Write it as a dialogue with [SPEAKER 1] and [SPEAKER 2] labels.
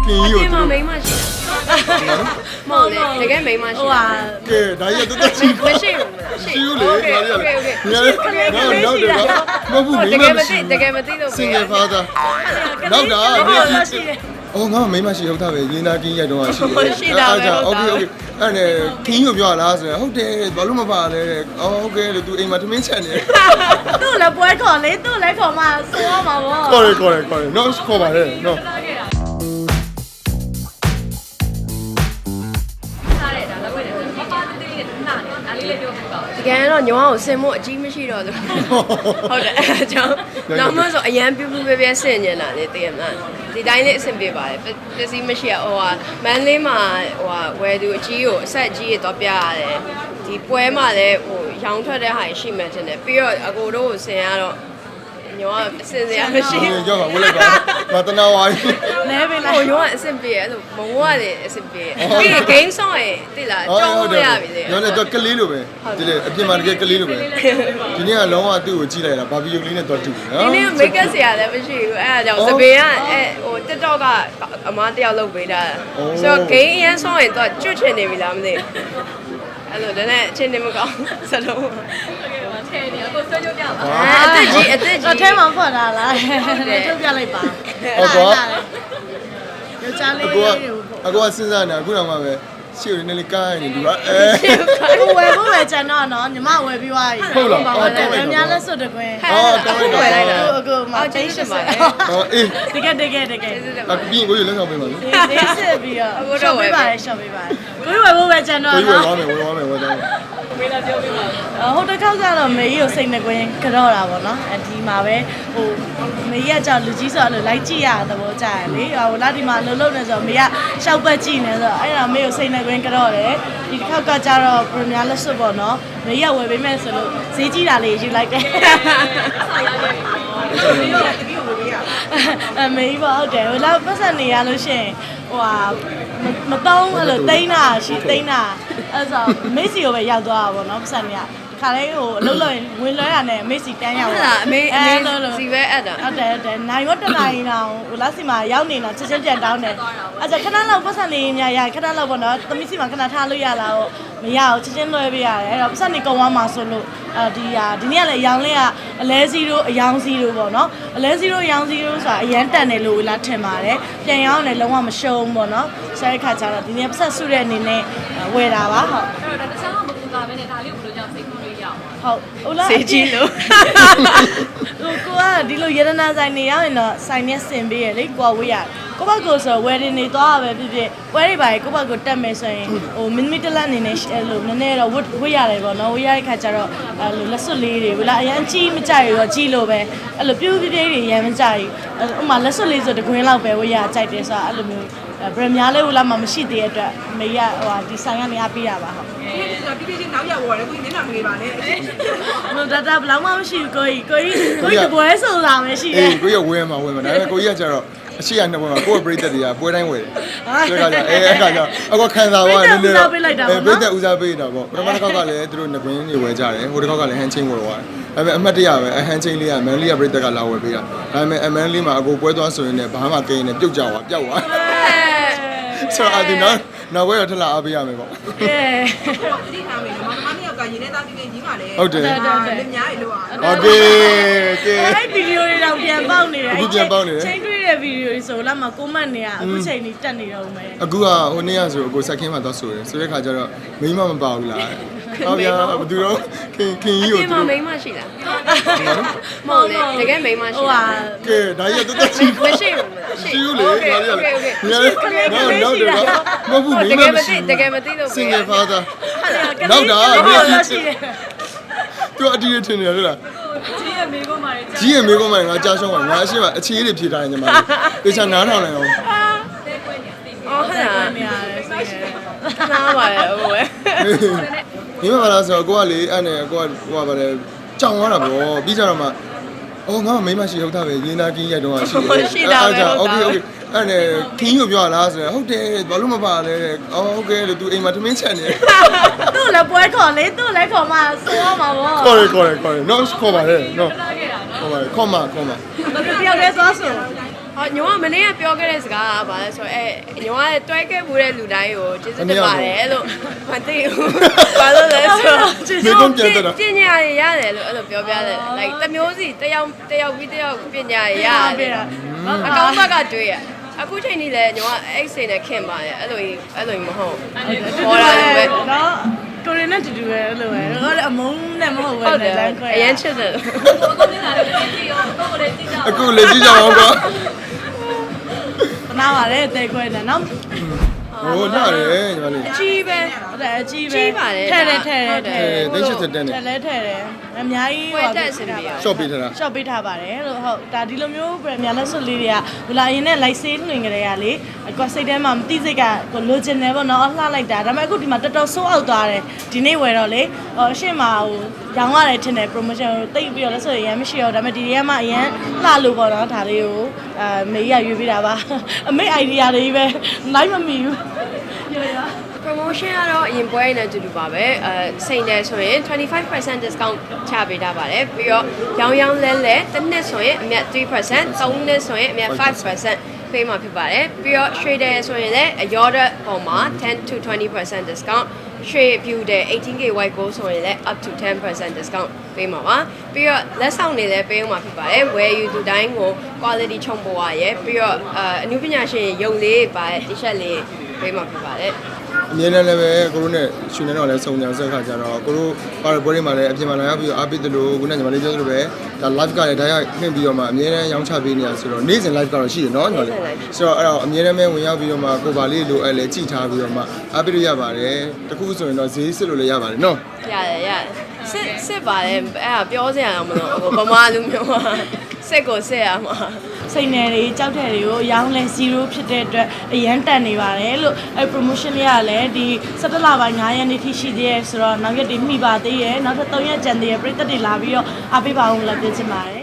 [SPEAKER 1] ခင်ကြီးကို
[SPEAKER 2] မမိန်းမရှိမဟုတ်လေတကယ်မိန်းမရှိ
[SPEAKER 1] ကဲဒါကြီးတော့တက်ချီ
[SPEAKER 2] မရှိဘူး
[SPEAKER 1] ရှိဦးလေဒါကြီးလေနောက်တော့မဟုတ်ဘူးမိ
[SPEAKER 2] တကယ်
[SPEAKER 1] မ
[SPEAKER 2] မ
[SPEAKER 1] ရှိ
[SPEAKER 2] သိတကယ်မသိလို့
[SPEAKER 1] single father နောက်တာအော်ငါမိမရှိဟုတ်တာပဲရင်းသားကင်းရိုက်တော့ရှိတယ်အားကြောင့် okay okay အဲ့နဲ့ခင်းကိုပြောလားဆိုရင်ဟုတ်တယ်ဘာလို့မပါလဲအော်ဟုတ်ကဲလို့ तू အိမ်မှာထမင်းချက်နေ
[SPEAKER 3] သူ့လည်းပွဲခေါ်လေသူ့လည်းခေါ်မှဆိုရမှာပေါ့
[SPEAKER 1] ခေါ်ရနော်ခေါ်ပါလေနော်
[SPEAKER 2] တကယ်တော့ညောင်းကိုဆင်မို့အကြီးမရှိတော့ဘူးဟုတ်တယ်အဲကြောင့်နောက်မှဆိုအရန်ပြူပြပြဆင်နေတာလေတကယ်မှဒီတိုင်းလေးအဆင်ပြေပါတယ်ပစ္စည်းမရှိဟိုဟာမန်းလေးမှာဟိုဟာဝယ်သူအကြီးကိုအဆက်အကြီးရတော့ပြရတယ်ဒီပွဲမှာလည်းဟိုရောင်းထွက်တဲ့ဟာရှိမှတင်တယ်ပြီးတော့အကိုတို့ကိုဆင်ရတော့ညောင်းကအဆင်စရာမရှိဘူး
[SPEAKER 1] ကြောက်ပါဝလိုက်ပါမတနာဝိုင်း
[SPEAKER 3] လဲပဲလား
[SPEAKER 2] ဟိုညောင်းကအဆင်ပြေအဲ့လိုမဝရတယ်အဆင်ပြေပြီး game song ရဲ့တိလားကြောင်းလို့ရပြီလေ
[SPEAKER 1] ညောင်းလည်းတော့ကလေးလိုပဲဒီလေအပြင်မှာတကယ်ကလေးလိုပဲဒီနေ့ကလုံးဝသူ့ကိုကြည့်လိုက်တာဘာဗီယိုကလေးနဲ့တော့တူတယ်နော်
[SPEAKER 2] ဒီနေ့ make up ဆရာလည်းမရှိဘူးအဲ့ဒါကြောင့်သပင်ကဟို TikTok ကအမားတယောက်လုပ်ပေးတာဆိုတော့ game အရင်ဆုံးရင်တော့ကျွတ်ချင်နေပြီလားမသိအဲ့လိုဒါနဲ့အချင်းနေမကောင်းစလုံး
[SPEAKER 3] အသက်ကြီးတော့ထဲမှာဖွက်လာလားထုတ်ပြလိုက်ပါ
[SPEAKER 1] ဟုတ်ကော
[SPEAKER 3] ယောက်ျားလေး
[SPEAKER 1] အကောစဉ်းစားနေတာအခုတော့မှပဲရှေ့ကိုနည်းနည်းကားနေဒီပါ
[SPEAKER 3] ကိုဝယ်ဖို့ပဲကျန်တော့နော်ညီမဝယ်ပြီးသွားပြီအများလက်စွပ်တကွင်းအခုမှတိတ်ရှစ်ပါ
[SPEAKER 1] ဟောအေး
[SPEAKER 3] တကယ်အပြင်
[SPEAKER 1] ကိုရလက်ဆောင်ပေးပါလေ
[SPEAKER 3] ဒီစစ်ပြီးတော့ရှော့ပေးပါတယ်ရှော့ပေးပါတယ်ကိုဝယ်ဖို့ပဲကျန်တော့
[SPEAKER 1] ကိုရဝယ်
[SPEAKER 3] နော်
[SPEAKER 1] သွားမယ်
[SPEAKER 3] ဟိုတစ်ခေါက်ကတော့မေကြီးကိုစိတ်နှကွင်းကြော့တာပေါ့နော်ဒီမှာပဲဟိုမေကြီးကကြောက်လူကြီးဆိုတော့လိုက်ကြည့်ရတဲ့ဘောကြရလေဟိုလာဒီမှာလှုပ်လှုပ်နေဆိုတော့မေကရှောက်ပတ်ကြည့်နေဆိုတော့အဲ့ဒါမေကိုစိတ်နှကွင်းကြော့တယ်ဒီတစ်ခေါက်ကကြတော့ပရမီယာလက်စွပ်ပေါ့နော်မေကြီးကဝယ်ပေးမယ်ဆိုလို့ဈေးကြီးတာလေးယူလိုက်တယ်မေကြီးပေါ့ဟုတ်တယ်ဟိုလာပတ်စံနေရလို့ရှိရင်ဟိုဟာမတုံးအဲ့လိုတိန်းတာရှိတိန်းတာအဲ့ဆိုမေစီကိုပဲရောက်သွားတာပေါ့နော်ပတ်စံနေကခါလေးဟိုအလုပ်လုပ်ရင်ဝင်လွှဲရနဲ့မေစီတန်းရောက်တာ
[SPEAKER 2] အမေစီပဲအဲ့ဒါ
[SPEAKER 3] ဟုတ်တယ်နိုင်ရောတနိုင်တော့ဟိုလက်စီမှာရောက်နေတာချက်ချင်းပြန်တောင်းတယ်အဲ့ဒါခဏလောက်ပတ်စံနေညာရခဏလောက်ပေါ့နော်သမီးစီမှာခဏထားလို့ရလားဟုတ်မရဘူးချက်ချင်းလွှဲပေးရတယ်အဲ့တော့ပတ်စံနေကုံသွားမှာဆိုလို့ဒီနေ့ကလည်းရောင်းလေးကအလဲစီတို့အယောင်စီတို့ပေါ့နော်အလဲစီတို့အယောင်စီတို့ဆိုတာအရန်တန်တယ်လို့လာထင်ပါတယ်ပြန်ရောင်းတယ်လုံးဝမရှုံးပေါ့နော်ဆဲခါကျတော့ဒီနေ့ပတ်စံစုတဲ့အနေနဲ့ဝယ်တာပါဟုတ်
[SPEAKER 4] အဲ့တော့တခြားမပူတာပဲနဲ့ဒါလေးကိုဘယ်လိုကြောင့်စိတ်ကူးလို့ရအောင်
[SPEAKER 3] ဟုတ်ဟုတ်လား
[SPEAKER 2] စေးကြီးလို့
[SPEAKER 3] ဟိုကိုကဒီလိုရတနာဆိုင်နေရောက်ရင်တော့ဆိုင်နဲ့ဆင်ပေးရလေကိုကဝေးရကိုဘကိုဆိုဝယ်တင်နေသွားတာပဲဖြစ်ဖြစ်ဝယ်ရိပါကိုဘကိုတက်မယ်ဆိုရင်ဟိုမင်းမီတလက်အနေနဲ့အဲ့လိုနည်းနည်းတော့ဝေးရတယ်ပေါ့နော်ဝေးရတဲ့ခါကျတော့အဲ့လိုလက်စွပ်လေးတွေဝလာအရန်ကြီးမကြရတော့ကြီးလို့ပဲအဲ့လိုပြူးပြပြတွေရမ်းမကြရဥမာလက်စွပ်လေးဆိုတကွင်းလောက်ပဲဝေးရကြိုက်တယ်ဆိုတာအဲ့လိုမျိုးဗရမများလေးဝလာမှမရှိသေးတဲ့အတွက်မေရဟိုဒီဆိုင်ကနေအားပေးရပါဟုတ်
[SPEAKER 4] ဒီပြည့်နောက်ရဝေါ်တယ်ကိုမျက်နှာမလေးပါနဲ့
[SPEAKER 3] နော်ဒါဘလောက်မှမရှိဘူးကိုကြီးတပွဲဆိုတာမရှိတယ်
[SPEAKER 1] အေးကိုရဝယ်မှာဒါပေမဲ့ကိုကြီးကကျတော့အရှိရနှစ်ပွဲမှာကိုယ့်ပရိသတ်တွေကပွဲတိုင်းဝယ်တယ်ဆိုတော့အဲ့ကကြောင့်အကောခံစားသွားတယ်နည်းနည်းပရိသတ်ဦးစားပေးတာပေါ့ပထမတစ်ခေါက်ကလည်းသူတို့ငွေတွေဝယ်ကြတယ်ဟိုတစ်ခေါက်ကလည်းဟန်ချင်းဝယ်သွားတယ်ဒါပေမဲ့အမှတ်တရပဲဟန်ချင်းလေးကမန်လေးကပရိသတ်ကလာဝယ်ပေးတာဒါပေမဲ့အမန်လေးမှာအကိုပွဲသွားဆိုရင်လည်းဘာမှကိန်းနေပြုတ်ကြသွားပျောက်သွားဆိုတော့ဒီနောက်ဝယ်ရထလာအားပေးရမယ်ပေါ့
[SPEAKER 3] ကဲ
[SPEAKER 4] တိထားမယ်မမနှစ်ယောက်ကရင်ထဲသားပြင်းကြီးပါလေ
[SPEAKER 1] ဟုတ်တယ်
[SPEAKER 4] လက်များရေလို့อ่ะ
[SPEAKER 1] โอเคကဲ
[SPEAKER 3] အဲ့ဗီဒီယိုတွေတော့ပြန်ပေါက်နေတယ်
[SPEAKER 1] အခုပြန်ပေါက်နေတယ်
[SPEAKER 3] ချိန်တွေ့တဲ့ဗီဒီယိုတွေဆိုလာမှာကွန်မန့်တွေကအခုချိန်ကြီးတက်နေတော့မယ်
[SPEAKER 1] အခုကဟိုနေ့ကဆိုအကိုဆက်ခင်းမှာသွားဆိုတယ်ဆိုတဲ့ခါကျတော့မိမမပါဘူးလားဟောဗျာဘသူတော့ခင်ကြီးကိုသူ
[SPEAKER 2] မိန်းမရှိလားမဟုတ်လေတကယ်မိန်းမရှိလား
[SPEAKER 1] ကဲဒါကြီးတော့တက်ချီ
[SPEAKER 2] မရှိဘူး
[SPEAKER 1] ရှိဦးလေဒါကြီးလေနောက်တော့မဟုတ်ဘူးမိ
[SPEAKER 2] တ
[SPEAKER 1] မ
[SPEAKER 2] ကယ်မ
[SPEAKER 1] မရှိ
[SPEAKER 2] သိတကယ်မသိလို့
[SPEAKER 1] single father
[SPEAKER 3] နောက်တာ
[SPEAKER 1] သူအတီးထင်နေရလား
[SPEAKER 4] ကြီးရဲ့မိကုန်းမာတွေ
[SPEAKER 1] ကြီးရဲ့မိကုန်းမငါကြားရှုံးပါငါအရှိမအခြေးတွေဖြေထားရင်ညီမလေးတေချာနားထောင်လိုက်အောင်
[SPEAKER 2] အော်ဟုတ်လား
[SPEAKER 3] နေရတယ်ဆိုရင်
[SPEAKER 2] နားပါလေဟိုပဲ
[SPEAKER 1] မိမပါလားဆိုတော့ကိုကလေအဲ့နဲ့ကိုကဟိုကဗါလေကြောင်သွားတာပေါ့ပြီးကြတော့မှအော်ငါမိမရှိဟုတ်တာပဲရင်းသားကင်းရိုက်တော့ရှိတယ်အားကြောင့် okay okay အဲ့နဲ့ခင်းကိုပြောလားဆိုရင်ဟုတ်တယ်ဘာလို့မပါလဲအော်ဟုတ်ကဲလို့ तू အိမ်မှာထမင်းချက်နေ
[SPEAKER 3] သူ့လည်းပွဲခေါ်လေသူ့လည်းခေါ်မှဆိုရမှာပေါ့
[SPEAKER 1] ခေါ်ရနော်ခေါ်ပါလေနော်ခေါ်ပါလေခေါ်မ
[SPEAKER 3] တယောက်တည်းသွားဆို
[SPEAKER 2] ဟညောမနေ့ကပြောခဲ့တဲ့စကားကဘာလဲဆိုတော့ညောကတွဲခဲ့မှုတဲ့လူတိုင်းကိုကျေးဇူးတင်ပါတယ်လို့မသိဘူးဘာလို့လဲဆိုတော့ပညာရရတယ်လို့အဲ့လိုပြောပြတယ် like တစ်မျိုးစီတယောက်ပြီးတယောက်ပညာရရတယ်အကောင့်ဘက်ကတွေ့ရအခုချိန်ကြီးလဲညောကအဲ့စိတ်နဲ့ခင်ပါတယ်အဲ့လိုမဟုတ်ဟောတာပဲ
[SPEAKER 3] နော်ကိုရီနဲ့တူတူပဲအဲ့လိုပဲဟိုအမုန်းနဲ့မဟုတ်ဘူးလေလမ်းခွဲ
[SPEAKER 2] အရင်ချစ်တယ်
[SPEAKER 1] အခုလေကြည့်ကြအောင်ကွာ
[SPEAKER 3] နားပါတယ်တဲခွဲနေနော်
[SPEAKER 1] ဟိုလာတယ်ညီမလေး
[SPEAKER 2] အကြီးပဲ
[SPEAKER 3] ဟုတ်တယ်အကြီးပဲ
[SPEAKER 2] ကြီးပါတယ်
[SPEAKER 3] ထဲတယ်
[SPEAKER 1] သိ80တက်နေ
[SPEAKER 3] ထဲလဲထဲတယ်အများကြီး
[SPEAKER 2] ပွဲတက်စင်ပြီ
[SPEAKER 1] ရှော့ပေးထားတာ
[SPEAKER 3] ရှော့ပေးထားပါတယ်လို့ဟုတ်ဒါဒီလိုမျိုးပြန်များလက်စွပ်လေးတွေကဟိုလာရင်နဲ့ light sale နှင်ကြတဲ့ကလေကိုစိတ်ထဲမှာမသိစိတ်ကကိုလိုချင်တယ်ပေါ့နော်လှလိုက်တာဒါပေမဲ့အခုဒီမှာတော်တော်ဆိုးအောက်သွားတယ်ဒီနေ့ဝယ်တော့လေအရှင်းမှာဟိုရောင်းရတယ်ထင်တယ် promotion ကိုတိတ်ပြီးတော့လက်စွပ်ရမ်းမရှိတော့ဒါပေမဲ့ဒီနေ့ကမှအရန်လှလို့ပေါ့နော်ဒါလေးကိုမေးရရွေးပေးတာပါအမေ idea တွေပဲ live မမီဘူး
[SPEAKER 2] promotion ကတော့အရင်ပွဲနဲ့အတူတူပါပဲစိန်တယ်ဆိုရင်25% discount ချပေးထားပါတယ်ပြီးတော့ရောင်းလဲတစ်နှစ်ဆိုရင်အမြတ် 3% 3နှစ်ဆိုရင်အမြတ် 5% ပေးမှာဖြစ်ပါတယ်ပြီးတော့ trader ဆိုရင်လည်းအရောတဲ့ပုံမှာ10 to 20% discount trade view တဲ့ 18k white gold ဆိုရင်လည်း up to 10% discount ပေးမှာပါပြီးတော့လက်ဆောင်တွေလည်းပေးမှာဖြစ်ပါတယ်ဝယ်ယူသူတိုင်းကို quality ချုံပေါ်ရရဲ့ပြီးတော့အနုပညာရှင်ရုံလေးပါတဲ့ t-shirt လေးပေးမှာဖြစ်ပါတယ်
[SPEAKER 1] အမြဲတမ်းလည်းပဲကိုတို့နဲ့ရှင်နေတော့လည်းစုံကြံဆက်ခါကြတော့ကိုတို့ပါရပွဲတွေမှာလည်းအပြင်မှာလာရောက်ပြီးတော့အားပေးတယ်လို့ခုနကညီမလေးပြောသလိုပဲဒါ live ကလည်းဒါရနှင်ပြီးတော့မှအမြဲတမ်းရောင်းချပေးနေတာဆိုတော့နေ့စဉ် live ကတော့ရှိတယ်နော်ညီမလေးဆိုတော့အဲ့တော့အမြဲတမ်းပဲဝင်ရောက်ပြီးတော့မှကိုပါလေးလိုအဲ့လေကြည်ထားပြီးတော့မှအားပေးလို့ရပါတယ်တခုဆိုရင်တော့ဈေးစစ်လို့လည်းရပါတယ်နော်
[SPEAKER 2] ရတယ်စစ်ပါတယ်အဲ့ဒါပြောစရာမလိုဗမာလူမျိုးကစစ်ကိုစစ်ရမှာ
[SPEAKER 3] စိတ်နယ်တွေကြောက်တဲ့တွေကိုရောင်းလဲ0ဖြစ်တဲ့အတွက်အရန်တန်နေပါတယ်လို့အဲ promotion လေးကလည်းဒီ17လပိုင်း9ရက်နေ့ထိရှိသေးရဲ့ဆိုတော့နောက်ရက်တွေမှီပါသေးရဲ့နောက်ထပ်3ရက်ကျန်သေးရဲ့ပြည်သက်တွေလာပြီးတော့အားပေးပါအောင်လို့ပြောချင်ပါတယ်